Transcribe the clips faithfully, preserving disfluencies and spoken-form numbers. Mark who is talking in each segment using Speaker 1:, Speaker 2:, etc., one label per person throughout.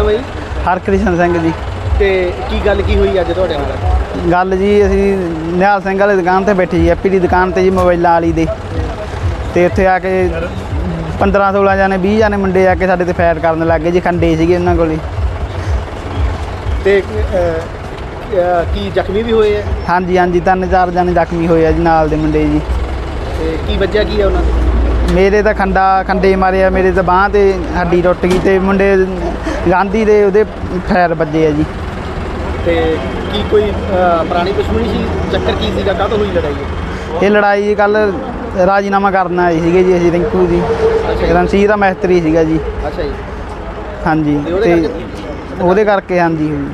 Speaker 1: ਨਾਮ ਹੈ ਜੀ?
Speaker 2: ਹਰਕ੍ਰਿਸ਼ਨ ਸਿੰਘ ਜੀ।
Speaker 1: ਤੇ ਕੀ ਗੱਲ ਕੀ ਹੋਈ ਅੱਜ ਤੁਹਾਡੇ ਨਾਲ?
Speaker 2: ਗੱਲ ਜੀ ਅਸੀਂ ਨਿਹਾਲ ਸਿੰਘ ਵਾਲੀ ਦੁਕਾਨ ਤੇ ਬੈਠੇ ਜੀ, ਐਪੀ ਦੀ ਦੁਕਾਨ ਤੇ ਜੀ, ਮੋਬਾਈਲਾਂ ਵਾਲੀ ਦੇ। ਤੇ ਉੱਥੇ ਆ ਕੇ ਪੰਦਰਾਂ ਸੋਲਾਂ ਜਾਣੇ ਵੀਹ ਜਾਣੇ ਮੁੰਡੇ ਆ ਕੇ ਸਾਡੇ ਤੇ ਫਾਇਰ ਕਰਨ ਲੱਗ ਗਏ ਜੀ। ਖੰਡੇ ਸੀਗੇ ਉਹਨਾਂ ਕੋਲ।
Speaker 1: ਤੇ ਕੀ ਜ਼ਖਮੀ ਵੀ ਹੋਏ ਆ?
Speaker 2: ਹਾਂਜੀ ਹਾਂਜੀ, ਤਿੰਨ ਚਾਰ ਜਾਣੇ ਜ਼ਖਮੀ ਹੋਏ ਆ ਜੀ ਨਾਲ ਦੇ ਮੁੰਡੇ ਜੀ।
Speaker 1: ਤੇ ਕੀ ਵੱਜਿਆ ਕੀ ਆ ਉਹਨਾਂ ਨੂੰ?
Speaker 2: ਮੇਰੇ ਤਾਂ ਖੰਡਾ ਖੰਡੇ ਮਾਰੇ ਆ, ਮੇਰੇ ਤਾਂ ਬਾਂਹ ਤੇ ਹੱਡੀ ਟੁੱਟ ਗਈ। ਤੇ ਮੁੰਡੇ ਗਾਂਧੀ ਦੇ ਉਹਦੇ ਫਾਇਰ ਵੱਜੇ ਆ ਜੀ।
Speaker 1: ਤੇ ਕੀ ਕੋਈ ਪੁਰਾਣੀ ਦੁਸ਼ਮਣੀ ਸੀ? ਚੱਕਰ ਕੀ ਸੀਗਾ? ਕਾਹਤੋਂ ਹੋਈ ਲੜਾਈ?
Speaker 2: ਇਹ ਲੜਾਈ ਜੀ ਕੱਲ੍ਹ ਰਾਜੀਨਾਮਾ ਕਰਨ ਆਏ ਸੀਗੇ ਜੀ ਅਸੀਂ, ਰਿੰਕੂ ਜੀ ਰਣਸੀਰ ਦਾ ਮਿਸਤਰੀ ਸੀਗਾ ਜੀ।
Speaker 1: ਅੱਛਾ ਜੀ।
Speaker 2: ਹਾਂਜੀ, ਤੇ ਉਹਦੇ ਕਰਕੇ ਹਾਂਜੀ ਹੋਈ।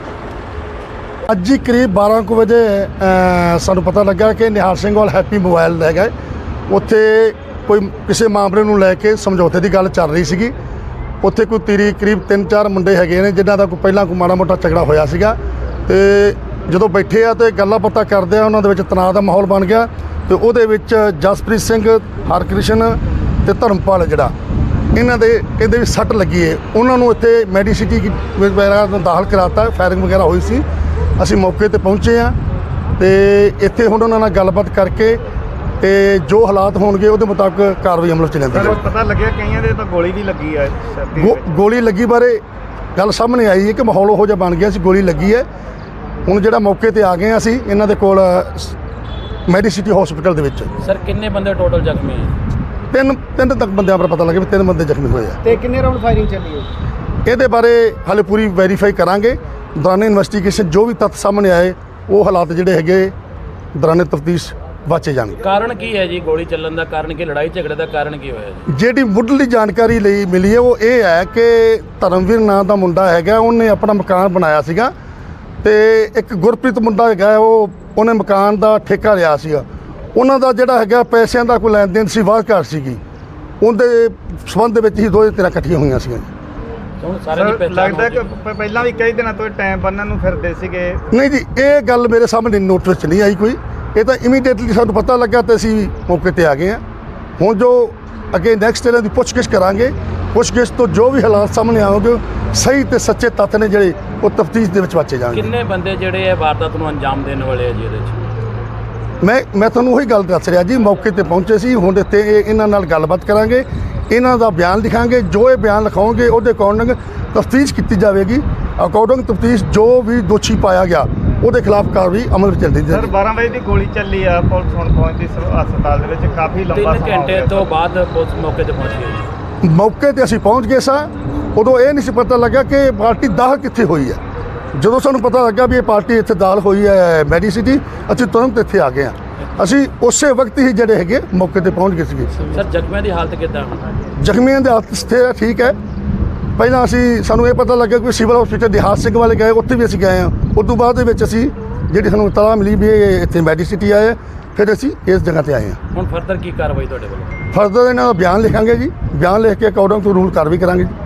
Speaker 3: ਅੱਜ ਹੀ ਕਰੀਬ ਬਾਰਾਂ ਕੁ ਵਜੇ ਸਾਨੂੰ ਪਤਾ ਲੱਗਾ ਕਿ ਨਿਹਾਲ ਸਿੰਘ ਵਾਲ ਹੈਪੀ ਮੋਬਾਈਲ ਲੈ ਗਏ। ਉੱਥੇ ਕੋਈ ਕਿਸੇ ਮਾਮਲੇ ਨੂੰ ਲੈ ਕੇ ਸਮਝੌਤੇ ਦੀ ਗੱਲ ਚੱਲ ਰਹੀ ਸੀਗੀ। ਉੱਥੇ ਕੋਈ ਤੀਰੀ ਕਰੀਬ ਤਿੰਨ ਚਾਰ ਮੁੰਡੇ ਹੈਗੇ ਨੇ ਜਿਨ੍ਹਾਂ ਦਾ ਕੋਈ ਪਹਿਲਾਂ ਕੋਈ ਮਾੜਾ ਮੋਟਾ ਝਗੜਾ ਹੋਇਆ ਸੀਗਾ। ਤੇ ਜਦੋਂ ਬੈਠੇ ਆ ਤੇ ਗੱਲਾਂ ਬਾਤਾਂ ਕਰਦੇ ਆ, ਉਹਨਾਂ ਦੇ ਵਿੱਚ ਤਣਾਅ ਦਾ ਮਾਹੌਲ ਬਣ ਗਿਆ। ਤੇ ਉਹਦੇ ਵਿੱਚ ਜਸਪ੍ਰੀਤ ਸਿੰਘ, ਹਰਕ੍ਰਿਸ਼ਨ ਤੇ ਧਰਮਪਾਲ ਜਿਹੜਾ ਇਹਨਾਂ ਦੇ ਕਹਿੰਦੇ ਵੀ ਸੱਟ ਲੱਗੀ ਹੈ। ਉਹਨਾਂ ਨੂੰ ਇੱਥੇ ਮੈਡੀਸਿਟੀ ਵਗੈਰਾ ਦਾਖਲ ਕਰਾਤਾ। ਫਾਇਰਿੰਗ ਵਗੈਰਾ ਹੋਈ ਸੀ। ਅਸੀਂ ਮੌਕੇ ਤੇ ਪਹੁੰਚੇ ਹਾਂ ਤੇ ਇੱਥੇ ਹੁਣ ਉਹਨਾਂ ਨਾਲ ਗੱਲਬਾਤ ਕਰਕੇ ਤੇ ਜੋ ਹਾਲਾਤ ਹੋਣਗੇ ਉਹਦੇ ਮੁਤਾਬਕ ਕਾਰਵਾਈ ਅਮਲ 'ਚ ਲੈਂਦੇ।
Speaker 4: ਪਤਾ ਲੱਗਿਆ ਕਈਆਂ ਦੇ ਤਾਂ ਗੋਲੀ ਵੀ ਲੱਗੀ ਹੈ।
Speaker 3: ਗੋਲੀ ਲੱਗੀ ਬਾਰੇ ਗੱਲ ਸਾਹਮਣੇ ਆਈ ਹੈ ਕਿ ਮਾਹੌਲ ਉਹੋ ਜਿਹਾ ਬਣ ਗਿਆ ਸੀ, ਗੋਲੀ ਲੱਗੀ ਹੈ। ਹੁਣ ਜਿਹੜਾ ਮੌਕੇ ਤੇ ਆ ਗਏ ਹਾਂ ਅਸੀਂ ਇਹਨਾਂ ਦੇ ਕੋਲ ਮੈਡੀਸਿਟੀ ਹਸਪੀਟਲ ਦੇ ਵਿੱਚ।
Speaker 5: ਸਰ ਕਿੰਨੇ ਬੰਦੇ ਟੋਟਲ ਜ਼ਖਮੀ ਹੈ?
Speaker 3: ਤਿੰਨ ਤਿੰਨ ਤੱਕ ਬੰਦਿਆਂ ਪਰ ਪਤਾ ਲੱਗਿਆ ਵੀ ਤਿੰਨ ਬੰਦੇ ਜ਼ਖਮੀ ਹੋਏ ਆ।
Speaker 1: ਤੇ ਕਿੰਨੇ ਰਾਉਂਡ ਫਾਇਰਿੰਗ ਚੱਲੀ ਹੈ?
Speaker 3: ਇਹਦੇ ਬਾਰੇ ਹਾਲੇ ਪੂਰੀ ਵੈਰੀਫਾਈ ਕਰਾਂਗੇ। ਦੌਰਾਨੇ ਇਨਵੈਸਟੀਗੇਸ਼ਨ ਜੋ ਵੀ ਤੱਥ ਸਾਹਮਣੇ ਆਏ ਉਹ ਹਾਲਾਤ ਜਿਹੜੇ ਹੈਗੇ ਦੌਰਾਨੇ ਤਫਤੀਸ਼ ਵਾਚੇ ਜਾਣਗੇ।
Speaker 5: ਕਾਰਨ ਕੀ ਹੈ ਜੀ ਗੋਲੀ ਚੱਲਣ ਦਾ? ਕਾਰਨ ਕੀ? ਲੜਾਈ ਝਗੜੇ ਦਾ ਕਾਰਨ ਕੀ ਹੋਇਆ ਜੀ?
Speaker 3: ਜਿਹੜੀ ਮੁੱਢਲੀ ਜਾਣਕਾਰੀ ਲਈ ਮਿਲੀ ਹੈ ਉਹ ਇਹ ਹੈ ਕਿ ਧਰਮਵੀਰ ਨਾਂ ਦਾ ਮੁੰਡਾ ਹੈਗਾ, ਉਹਨੇ ਆਪਣਾ ਮਕਾਨ ਬਣਾਇਆ ਸੀਗਾ। ਤੇ ਇੱਕ ਗੁਰਪ੍ਰੀਤ ਮੁੰਡਾ ਹੈਗਾ, ਉਹ ਉਹਨੇ ਮਕਾਨ ਦਾ ਠੇਕਾ ਲਿਆ ਸੀਗਾ। ਉਹਨਾਂ ਦਾ ਜਿਹੜਾ ਹੈਗਾ ਪੈਸਿਆਂ ਦਾ ਕੋਈ ਲੈਣ ਦੇਣ ਸੀ, ਵਾਹ ਘਾਟ ਸੀਗੀ। ਉਹਦੇ ਸੰਬੰਧ ਦੇ ਵਿੱਚ ਹੀ ਦੋਵੇਂ ਧਿਰਾਂ ਇਕੱਠੀਆਂ ਹੋਈਆਂ ਸੀਗੀਆਂ।
Speaker 5: ਹੁਣ ਸਾਰੇ ਦੀ ਪਹਿਚਾਣ
Speaker 4: ਲੱਗਦਾ ਕਿ ਪਹਿਲਾਂ ਵੀ ਕਈ ਦਿਨਾਂ ਤੋਂ ਟਾਈਮ ਬੰਨਣ ਨੂੰ ਫਿਰਦੇ ਸੀਗੇ।
Speaker 3: ਨਹੀਂ ਜੀ, ਇਹ ਗੱਲ ਮੇਰੇ ਸਾਹਮਣੇ ਨੋਟ ਵਿੱਚ ਨਹੀਂ ਆਈ ਕੋਈ। ਇਹ ਤਾਂ ਇਮੀਡੀਏਟਲੀ ਸਾਨੂੰ ਪਤਾ ਲੱਗਾ ਤੇ ਅਸੀਂ ਮੌਕੇ ਤੇ ਆ ਗਏ ਹਾਂ। ਹੁਣ ਜੋ ਅੱਗੇ ਨੈਕਸਟ ਇਹਨਾਂ ਦੀ ਪੁੱਛਗਿੱਛ ਕਰਾਂਗੇ। ਪੁੱਛਗਿੱਛ ਤੋਂ ਜੋ ਵੀ ਹਾਲਾਤ ਸਾਹਮਣੇ ਆਉਣਗੇ, ਸਹੀ ਤੇ ਸੱਚੇ ਤੱਥ ਨੇ ਜਿਹੜੇ ਉਹ ਤਫਤੀਸ਼ ਦੇ ਵਿੱਚ ਵਾਚੇ ਜਾਣਗੇ।
Speaker 5: ਕਿੰਨੇ ਬੰਦੇ ਜਿਹੜੇ ਇਹ ਵਾਰਦਾਤ ਨੂੰ ਅੰਜਾਮ ਦੇਣ ਵਾਲੇ ਆ ਜੀ ਇਹਦੇ 'ਚ?
Speaker 3: ਮੈਂ ਮੈਂ ਤੁਹਾਨੂੰ ਉਹੀ ਗੱਲ ਦੱਸ ਰਿਹਾ ਜੀ, ਮੌਕੇ ਤੇ ਪਹੁੰਚੇ ਸੀ। ਹੁਣ ਇੱਥੇ ਇਹਨਾਂ ਨਾਲ ਗੱਲਬਾਤ ਕਰਾਂਗੇ, ਇਹਨਾਂ ਦਾ ਬਿਆਨ ਲਿਖਾਂਗੇ। ਜੋ ਇਹ ਬਿਆਨ ਲਿਖਾਉਣਗੇ ਉਹਦੇ ਅਕੋਰਡਿੰਗ ਤਫਤੀਸ਼ ਕੀਤੀ ਜਾਵੇਗੀ। ਅਕੋਰਡਿੰਗ ਤਫਤੀਸ਼ ਜੋ ਵੀ ਦੋਸ਼ੀ ਪਾਇਆ ਗਿਆ ਉਹਦੇ ਖਿਲਾਫ ਕਾਰਵਾਈ ਅਮਲ ਵਿੱਚ ਚੱਲਦੀ
Speaker 4: ਸਰ ਬਾਰਾਂ ਵਜੇ ਦੀ ਗੋਲੀ ਚੱਲੀ ਆ। ਪੁਲਿਸ ਹੁਣ ਪਹੁੰਚੀ ਹਸਪਤਾਲ ਦੇ ਵਿੱਚ। ਕਾਫੀ ਲੰਬਾ
Speaker 5: ਤਿੰਨ ਘੰਟੇ ਤੋਂ ਬਾਅਦ ਪੁਲਿਸ ਮੌਕੇ ਤੇ ਪਹੁੰਚ ਗਈ ਜੀ।
Speaker 3: ਮੌਕੇ ਤੇ ਅਸੀਂ ਪਹੁੰਚ ਗਏ ਸਾਂ। ਉਦੋਂ ਇਹ ਨਹੀਂ ਸੀ ਪਤਾ ਲੱਗਾ ਕਿ ਪਾਰਟੀ ਦਾਖਲ ਕਿੱਥੇ ਹੋਈ ਹੈ। ਜਦੋਂ ਸਾਨੂੰ ਪਤਾ ਲੱਗਾ ਵੀ ਇਹ ਪਾਰਟੀ ਇੱਥੇ ਦਾਖਲ ਹੋਈ ਹੈ ਮੈਡੀਸਿਟੀ, ਅਸੀਂ ਤੁਰੰਤ ਇੱਥੇ ਆ ਗਏ ਹਾਂ। ਅਸੀਂ ਉਸੇ ਵਕਤ ਹੀ ਜਿਹੜੇ ਹੈਗੇ ਮੌਕੇ ਤੇ ਪਹੁੰਚ ਗਏ ਸੀਗੇ।
Speaker 5: ਸਰ ਜ਼ਖਮੀਆਂ ਦੀ ਹਾਲਤ ਕਿੱਦਾਂ?
Speaker 3: ਜ਼ਖਮੀਆਂ ਦੀ ਹਾਲਤ ਸਥਿਰ ਠੀਕ ਹੈ। ਪਹਿਲਾਂ ਅਸੀਂ ਸਾਨੂੰ ਇਹ ਪਤਾ ਲੱਗਾ ਕਿ ਸਿਵਲ ਹਸਪੀਟਲ ਦਿਹਾਤ ਸਿੰਘ ਵਾਲੇ ਗਏ, ਉੱਥੇ ਵੀ ਅਸੀਂ ਗਏ ਹਾਂ। ਉਸ ਤੋਂ ਬਾਅਦ ਦੇ ਵਿੱਚ ਅਸੀਂ ਜਿਹੜੀ ਸਾਨੂੰ ਇਤਲਾਹ ਮਿਲੀ ਵੀ ਇਹ ਇੱਥੇ ਮੈਡੀਸਿਟੀ ਆਏ, ਫਿਰ ਅਸੀਂ ਇਸ ਜਗ੍ਹਾ ਤੇ ਆਏ ਹਾਂ।
Speaker 5: ਹੁਣ ਫਰਦਰ ਕੀ ਕਾਰਵਾਈ ਤੁਹਾਡੇ ਵੱਲੋਂ?
Speaker 3: ਫਰਦਰ ਇਹਨਾਂ ਦਾ ਬਿਆਨ ਲਿਖਾਂਗੇ ਜੀ। ਬਿਆਨ ਲਿਖ ਕੇ ਅਕੋਰਡਿੰਗ ਟੂ ਰੂਲ ਕਾਰਵਾਈ ਕਰਾਂਗੇ ਜੀ।